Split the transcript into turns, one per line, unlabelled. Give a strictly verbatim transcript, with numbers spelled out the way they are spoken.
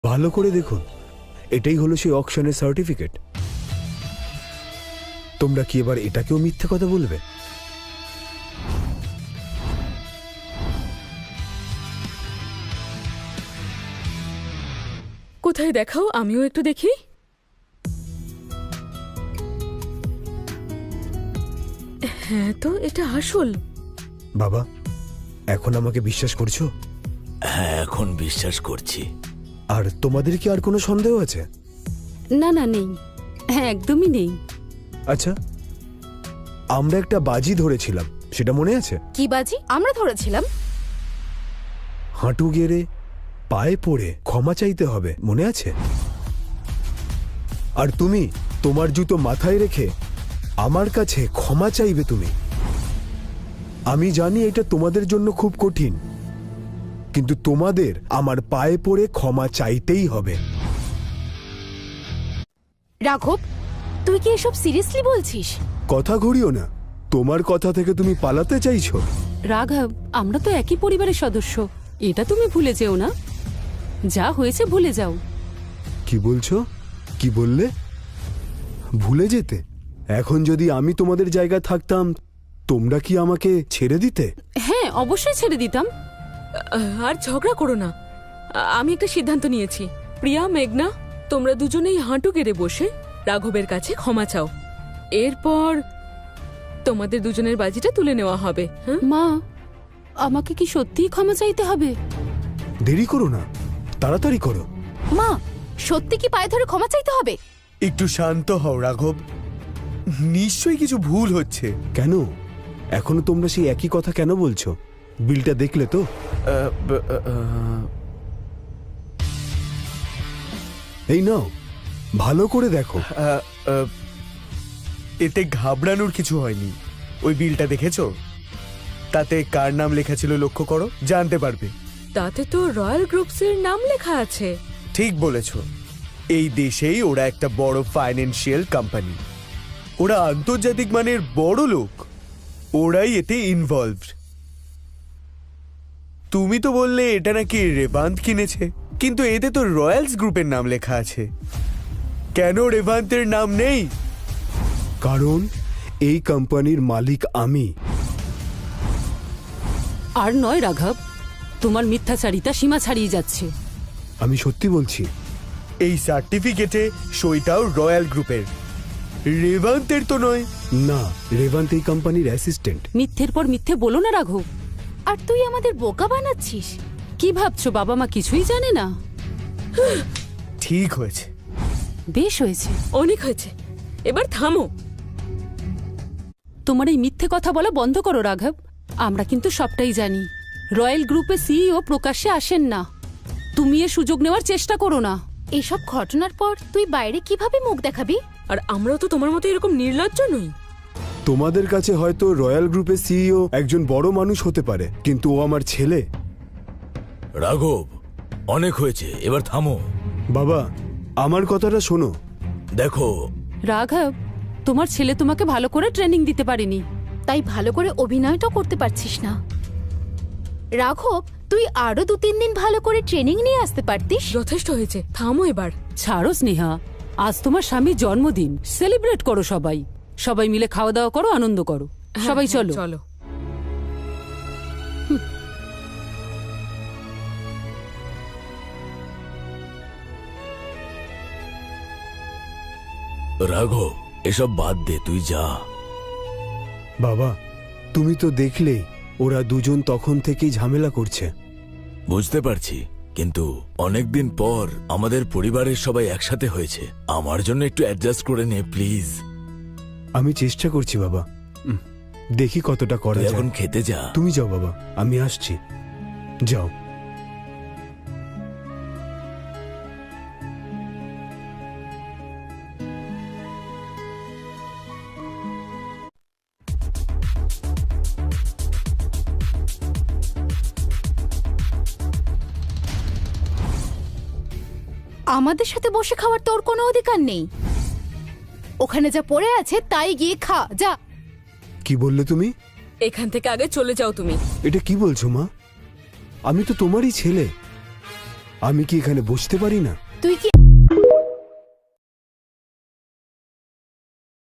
ভালো করে দেখুন, এটাই হলো সেই অকশনের সার্টিফিকেট। তোমরা কি এবার এটাকেও মিথ্যে কথা বলবে?
কোথায় দেখাও, আমিও একটু দেখি। হ্যাঁ তো, এটা আসল।
বাবা, এখন আমাকে বিশ্বাস করছো?
হ্যাঁ, এখন বিশ্বাস করছি।
আর তোমাদের কি আর কোনো সন্দেহ আছে?
না না, নেই। হ্যাঁ, একদমই নেই।
আচ্ছা, আমরা একটা বাজি ধরেছিলাম, সেটা মনে আছে?
কি বাজি আমরা ধরেছিলাম?
হাঁটু গেড়ে পায়ে পড়ে ক্ষমা চাইতে হবে, মনে আছে? আর তুমি তোমার জুতো মাথায় রেখে আমার কাছে ক্ষমা চাইবে তুমি। আমি জানি এটা তোমাদের জন্য খুব কঠিন, কিন্তু তোমাদের আমার পায়ে পড়ে ক্ষমা চাইতেই হবে।
রাঘব, তুই কি এসব সিরিয়াসলি বলছিস?
কথা ঘুরিও না, তোমার কথা থেকে তুমি পালাতে চাইছো।
রাঘব, আমরা তো একই পরিবারের সদস্য, এটা তুমি ভুলে যেও না। যা হয়েছে ভুলে যাও।
কি বলছো? কি বললে? ভুলে যেতে? এখন যদি আমি তোমাদের জায়গায় থাকতাম, তোমরা কি আমাকে ছেড়ে দিতে?
হ্যাঁ, অবশ্যই ছেড়ে দিতাম।
আর ঝগড়া করো না। আমি একটা সিদ্ধান্ত নিয়েছি। প্রিয়া, মেঘনা, তোমরা দুজনেই হাঁটু গেড়ে বসে রাঘবের কাছে ক্ষমা চাও। এরপর তোমাদের দুজনের বাজিটা তুলে নেওয়া হবে। হ্যাঁ
মা, আমাকে কি সত্যিই ক্ষমা চাইতে হবে?
দেরি করো না, তাড়াতাড়ি করো।
মা, সত্যি কি পায়ে ধরে ক্ষমা চাইতে হবে?
একটু শান্ত হও রাঘব, নিশ্চয়ই কিছু ভুল হচ্ছে।
কেন এখনো তোমরা সেই একই কথা কেন বলছো? বিলটা দেখলে তো?
আহ, ব- আহ,
এই নাও, ভালো করে দেখো।
আহ, আহ, এতে ঘাবড়ানোর কিছু হয়নি। ওই বিলটা দেখেছো? তাতে কার নাম লেখা ছিল লক্ষ্য করো, জানতে পারবে।
তাতে তো রয়্যাল গ্রুপসের নাম লেখা আছে।
ঠিক বলেছো, এই দেশেই ওরা একটা বড় ফাইন্যান্সিয়াল কোম্পানি। ওরা আন্তর্জাতিক মানের বড় লোক, ওরাই এতে ইনভলভড। তুমি তো বললে এটা নাকি রেভান্ত কিনেছে, কিন্তু এতে তো রয়্যালস গ্রুপের নাম লেখা আছে। কেন রেভান্তের নাম নেই?
কারণ এই কোম্পানির মালিক আমি।
আর নয় রাঘব, তোমার মিথ্যাচারিতা সীমা ছাড়িয়ে যাচ্ছে।
আমি সত্যি বলছি।
এই সার্টিফিকেটে সইটাও রয়্যাল গ্রুপের, রেভান্তের তো নয়।
না, রেভান্ত এই কোম্পানির অ্যাসিস্ট্যান্ট।
মিথ্যের পর মিথ্যে বলো না রাঘব।
আর তুই আমাদের বোকা বানাচ্ছিস।
কি ভাবছো বাবা মা কিছুই জানে না?
ঠিক হয়েছে,
বেশ হয়েছে,
অনেক হয়েছে, এবার থামো।
তোমার এই মিথ্যে কথা বলা বন্ধ করো রাঘব। আমরা কিন্তু সবটাই জানি। রয়্যাল গ্রুপের সিইও প্রকাশ্যে আসেন না। তুমি এ সুযোগ নেওয়ার চেষ্টা করো না।
এসব ঘটনার পর তুই বাইরে কিভাবে মুখ দেখাবি?
আর আমরাও তো তোমার মতো এরকম নির্লজ্জ নই।
তোমাদের কাছে হয়তো রয়্যাল গ্রুপের সিইও একজন বড় মানুষ হতে পারে, কিন্তু ও আমার ছেলে।
রাঘব, অনেক হয়েছে, এবার থামো।
বাবা, আমার কথাটা শোনো।
দেখো
রাঘব, তোমার ছেলে তোমাকে ভালো করে ট্রেনিং দিতে পারেনি,
তাই ভালো করে অভিনয়টাও করতে পারছিস না। রাঘব, তুই আরো দু তিন দিন ভালো করে ট্রেনিং নিয়ে আসতে পারতিস।
যথেষ্ট হয়েছে, থামো এবার।
ছাড়ো স্নেহা, আজ তোমার স্বামীর জন্মদিন, সেলিব্রেট করো সবাই। সবাই মিলে খাওয়া দাওয়া করো, আনন্দ করো। সবাই
হ্যাঁ,
চলো
চলো।
রাঘব, এসব বাদ দে, তুই যা।
বাবা, তুমি তো দেখলেই ওরা দুজন তখন থেকেই ঝামেলা করছে।
বুঝতে পারছি, কিন্তু অনেকদিন পর আমাদের পরিবারের সবাই একসাথে হয়েছে। আমার জন্য একটু অ্যাডজাস্ট করে নে প্লিজ।
আমি চেষ্টা করছি বাবা, উম, দেখি কতটা করা
তুই
যায়।
এখন খেতে যা।
তুমি যাও বাবা, আমি আসছি। যাও।
আমাদের সাথে বসে খাওয়ার তোর কোনো অধিকার নেই। ওখানে যা পড়ে আছে তাই গিয়ে খা, যা।
কি বললে তুমি?
এখান থেকে আগে চলে যাও তুমি।
এটা কি বলছো মা? আমি তো তোমারই ছেলে। আমি কি এখানে বসতে পারি না?
তুই কি